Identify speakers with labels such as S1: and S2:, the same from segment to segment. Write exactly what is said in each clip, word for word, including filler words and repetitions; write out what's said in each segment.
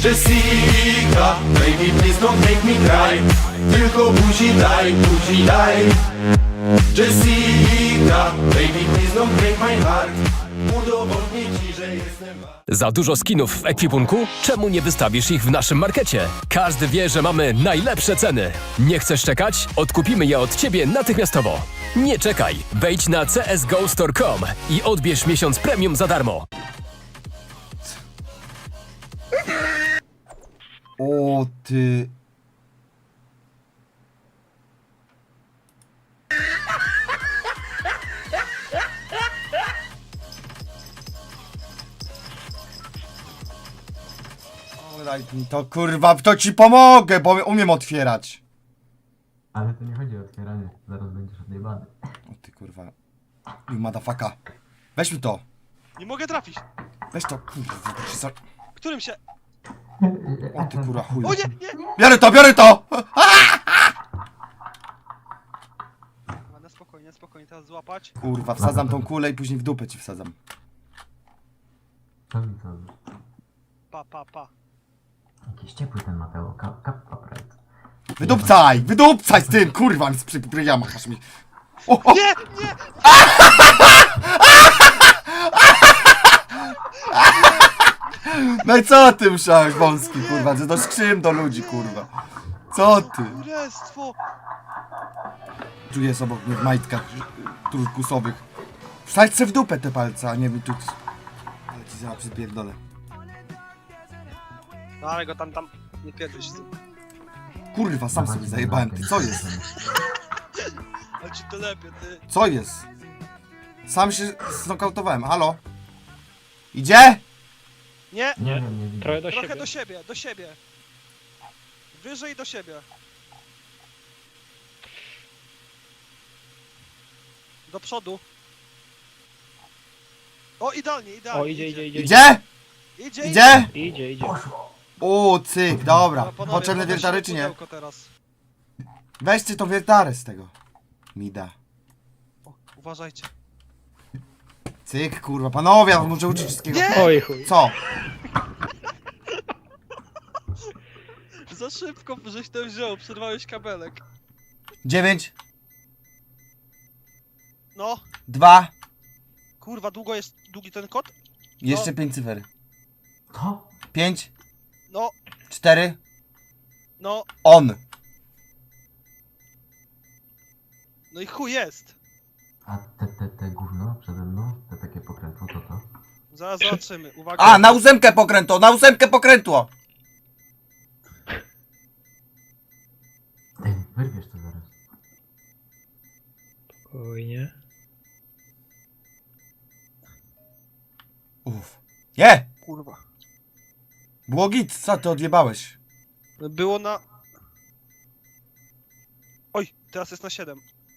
S1: Jessica, baby please don't make me cry. Tylko buzi daj, buzi daj. Jessica, baby please don't break my heart. Udowodnię ci, że jestem...
S2: Za dużo skinów w ekwipunku? Czemu nie wystawisz ich w naszym markecie? Każdy wie, że mamy najlepsze ceny. Nie chcesz czekać? Odkupimy je od ciebie natychmiastowo. Nie czekaj, wejdź na c s go store kropka com i odbierz miesiąc premium za darmo.
S3: O ty... O, daj mi to kurwa, w to ci pomogę, bo umiem otwierać.
S4: Ale to nie chodzi o otwieranie, zaraz będziesz odjebany.
S3: O ty kurwa. You motherfucker. Weź mi to.
S5: Nie mogę trafić.
S3: Weź to, kurwa. to się za-
S5: Którym się...
S3: O ty kurwa chuj.
S5: O nie, nie!
S3: Biorę to, biorę to!
S5: A, na spokojnie, spokojnie, teraz złapać.
S3: Kurwa, wsadzam tą kulę i później w dupę ci wsadzam.
S4: Co mi to?
S5: Pa, pa, pa.
S4: Jakiś ciepły ten Mateo, kap, kap, upright.
S3: Wydupcaj! Wydupcaj z tym, kurwa, mi spryja machasz mi. O, o.
S5: Nie, nie!
S3: No i co ty musiałeś, wąski, kurwa, że do skrzyn do ludzi, kurwa. Co ty?
S5: Kurestwo!
S3: Tu jest obok mnie w majtkach turkusowych. Wsadź se w dupę te palce, a nie mi tu... Ale ci zaraz przypierdolę.
S5: No ale go tam, tam... Nie pierdolisz z tym.
S3: Kurwa, sam sobie zajebałem, ty, co jest?
S5: Ale ci to lepiej, ty.
S3: Co jest? Sam się znokautowałem, halo? Idzie?
S5: Nie!
S4: Nie wiem, nie widzę.
S6: Trochę do
S5: Trochę
S6: siebie.
S5: do siebie, do siebie. Wyżej do siebie. Do przodu. O, idealnie, idealnie.
S6: O, idzie, idzie, idzie.
S3: Idzie?
S5: Idzie,
S3: Idzie?
S6: Idzie, idzie.
S3: O, cyk, dobra.
S5: No, panowie,
S3: Potrzebne
S5: podnośmy
S3: wiertary czy nie?
S5: pudełko teraz.
S3: Weźcie to wiertarę z tego. Mida.
S5: O, uważajcie.
S3: Cyk, kurwa, panowie, ja muszę uczyć wszystkiego.
S5: Nie!
S6: Oj chuj.
S3: Co?
S5: Za szybko, żeś to wziął, przerwałeś kabelek.
S3: Dziewięć,
S5: No,
S3: dwa,
S5: kurwa, długo jest, długi ten kod?
S3: jeszcze pięć cyfer.
S4: Co?
S3: Pięć,
S5: No,
S3: cztery,
S5: no,
S3: on.
S5: no i chuj jest.
S4: A te, te, te gówno przede mną, te takie pokrętło, to to?
S5: Zaraz zobaczymy, uwaga.
S3: A, na ósemkę pokrętło, na ósemkę pokrętło.
S4: Ej, wyrwiesz to zaraz.
S6: Spokojnie.
S3: Uff. Je!
S5: Kurwa.
S3: Było git, co ty odjebałeś?
S5: Było na... Oj, teraz jest na siedem.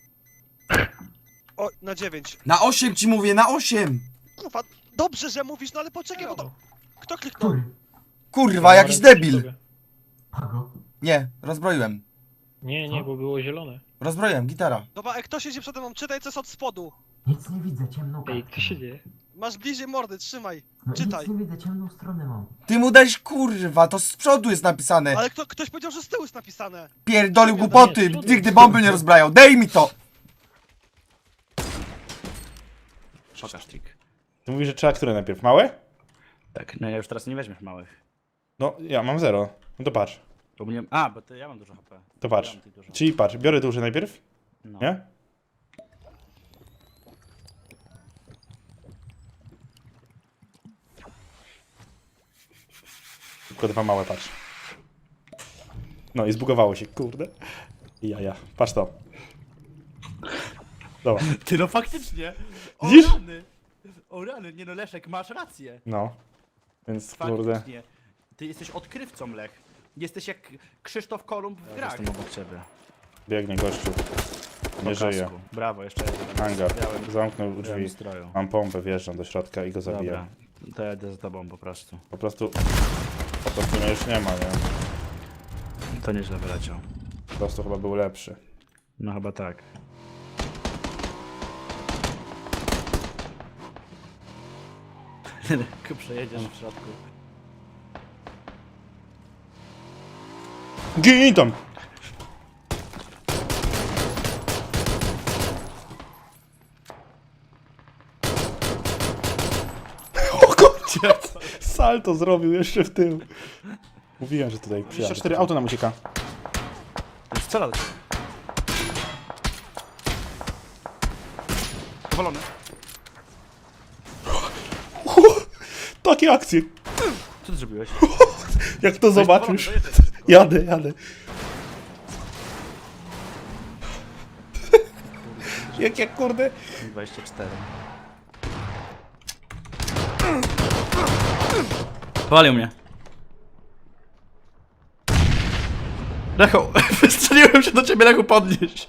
S5: Oj, na dziewięć.
S3: Na osiem ci mówię, na osiem.
S5: Kurwa, dobrze, że mówisz, no ale poczekaj, bo to... Kto kliknął?
S4: Który?
S3: Kurwa, jakiś debil.
S4: Pago?
S3: Nie, rozbroiłem.
S6: Nie, nie, bo było zielone.
S3: Rozbroiłem, gitara.
S5: Dobra, ej, kto siedzi przede mną? Czytaj, co jest od spodu.
S4: Nic nie widzę, ciemną
S6: Ej,
S4: kartkę
S6: co się
S4: mam.
S6: dzieje?
S5: Masz bliżej mordy, trzymaj.
S4: No
S5: czytaj.
S4: nic nie widzę, ciemną stronę mam.
S3: Ty mu dałeś kurwa, to z przodu jest napisane.
S5: Ale kto, ktoś powiedział, że z tyłu jest napisane.
S3: Pierdolił
S6: Nie,
S3: głupoty,
S6: z przodu.
S3: nigdy bomby nie rozbrajał. Dej mi to!
S7: Pokaż trik.
S8: Ty mówisz, że trzeba które najpierw? Małe?
S7: Tak, no ja już teraz nie weźmiesz małych.
S8: No, ja mam zero. No to patrz.
S7: Bo mnie... A, bo ty, ja mam dużo H P.
S8: To
S7: Ja
S8: patrz.
S7: mam tych dużo.
S8: Czyli patrz, biorę duże najpierw,
S7: No.
S8: nie? Tylko dwa małe, patrz. No i zbugowało się, kurde. I jaja, patrz to. Dobra,
S7: Ty no faktycznie! O
S8: Widzisz?
S7: rany! O rany, nie no Leszek, masz rację.
S8: no. Więc kurde.
S7: Faktycznie. Ty jesteś odkrywcą, Lech. Jesteś jak Krzysztof Kolumb w grach. Jestem obok ciebie.
S8: Biegnie gościu. Nie żyje.
S7: Brawo, jeszcze jeden.
S8: Hangar.
S7: Białym-
S8: Zamknął
S7: białym
S8: drzwi.
S7: stroju.
S8: Mam pompę, wjeżdżam do środka i go zabijam.
S7: Dobra, to ja idę za tobą po prostu.
S8: Po prostu... Po prostu mnie już nie ma, nie?
S7: To nieźle wyleciał.
S8: Po prostu chyba był lepszy.
S7: No chyba tak. Przejedziesz w środku.
S8: Gin tam! O kurczę! Salto zrobił jeszcze w tył. Mówiłem, że tutaj dwadzieścia cztery auto nam ucieka.
S7: Strzela do ciebie. Powalony.
S8: Takie akcje.
S7: Co ty zrobiłeś?
S8: Jak to zobaczysz. Jadę, jadę. Jak, jak kurde.
S7: dwadzieścia cztery. Powalił mnie. Lechu, wystrzeliłem się do ciebie, Lechu, podnieś.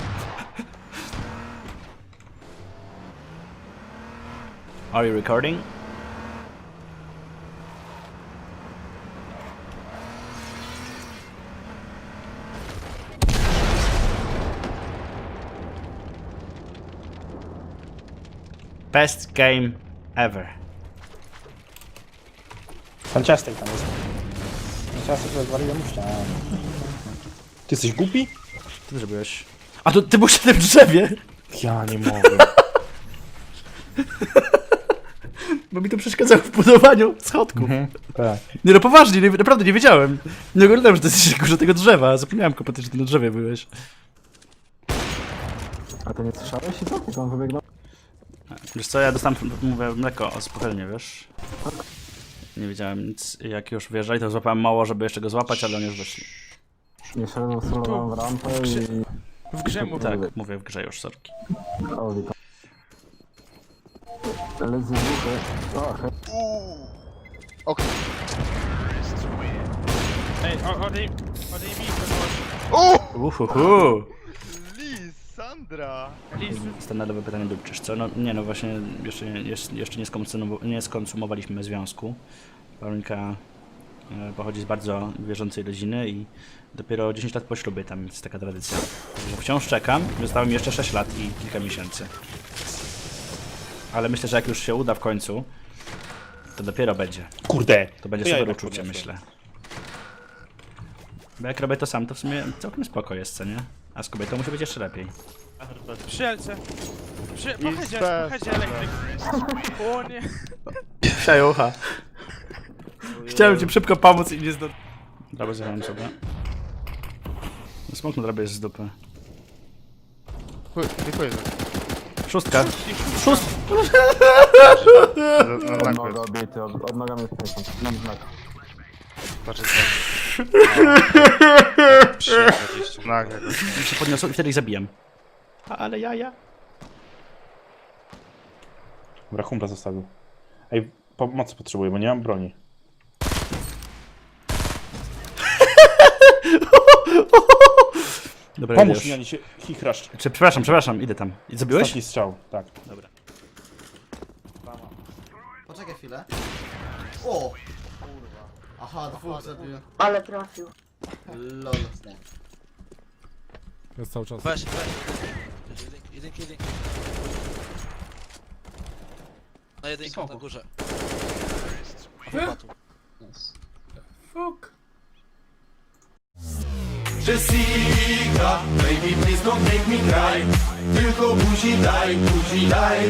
S7: Are you recording? Best game ever.
S8: Fantastic tam jest. Fantastic rozwaliłem mu ścianę. Ty jesteś głupi?
S7: Co ty zrobiłeś? A to ty byłeś na tym drzewie!
S8: Ja nie mogę.
S7: Bo mi to przeszkadzało w budowaniu schodków.
S8: Tak.
S7: Nie no poważnie, nie, naprawdę nie wiedziałem. Nie oglądałem, że ty jesteś górze tego drzewa. Zapomniałem kompletnie, że ty na drzewie byłeś.
S4: A ty nie słyszałeś i co? Jak on wybiegł?
S7: Wiesz co, ja dostałem, mówię, mleko z pochelnie, wiesz? Nie wiedziałem nic. Jak już wyjeżdżali, to złapałem mało, żeby jeszcze go złapać, ale oni już doszli.
S4: Nie szedłem, solowałem w rampę i...
S5: W grze mu
S7: Tak, mówię w grze już, sorki.
S4: Audi tam. Lecę z buchy. O, he...
S5: Ej, odej, odejmij
S7: Uhuhu!
S5: Lisandra!
S7: Standardowe pytanie dupczysz, co? No nie, no właśnie jeszcze, jeszcze, jeszcze nie, skonsumowa- nie skonsumowaliśmy związku. Paulinka e, pochodzi z bardzo wierzącej rodziny i dopiero dziesięć lat po ślubie tam jest taka tradycja. Także wciąż czekam, zostało mi jeszcze sześć lat i kilka miesięcy. Ale myślę, że jak już się uda w końcu, to dopiero będzie.
S8: Kurde.
S7: To będzie
S8: To ja
S7: super
S8: jednak
S7: uczucie,
S8: podniosłem.
S7: myślę. Bo jak robię to sam, to w sumie całkiem spoko jest, co nie? A z kobietą musi być jeszcze lepiej.
S5: Przyjelce! Przy... Pochedzie, pochedzie elektryk! O nie!
S7: Przejucha. Chciałem ci szybko pomóc i nie zdo... Dobra, zjechałem sobie. Smok na drabie jest z dupy. Szóstka. Szóstka!
S4: Od noga obity, od, od noga mnie wpiękam. Mam znak.
S7: I się podniosą i wtedy ich zabijam. Ale ja, ja.
S8: Dobra, humpla zostawił. Ej, pomocy potrzebuję, bo nie mam broni.
S7: Dobra,
S8: Pomóż
S7: idę
S8: mi,
S7: już.
S8: oni się chichrasz.
S7: Czy, przepraszam, przepraszam, idę tam. I zabiłeś?
S8: Ostatni strzał, tak.
S7: Dobra.
S3: Poczekaj chwilę. O! Kurwa. Aha, dwóch zabiłem.
S9: Ale trafił.
S3: Lol.
S10: Jest cały czas.
S5: Weź, weź. Jedynki, jedynki. Na jedynkę na górze.
S1: Jessica, baby please don't make me cry. Tylko buzi daj, buzi daj.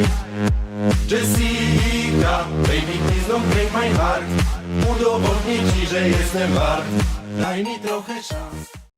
S1: Jessica, baby please don't break my heart. Udowodnię ci, że jestem wart. Daj mi trochę szans.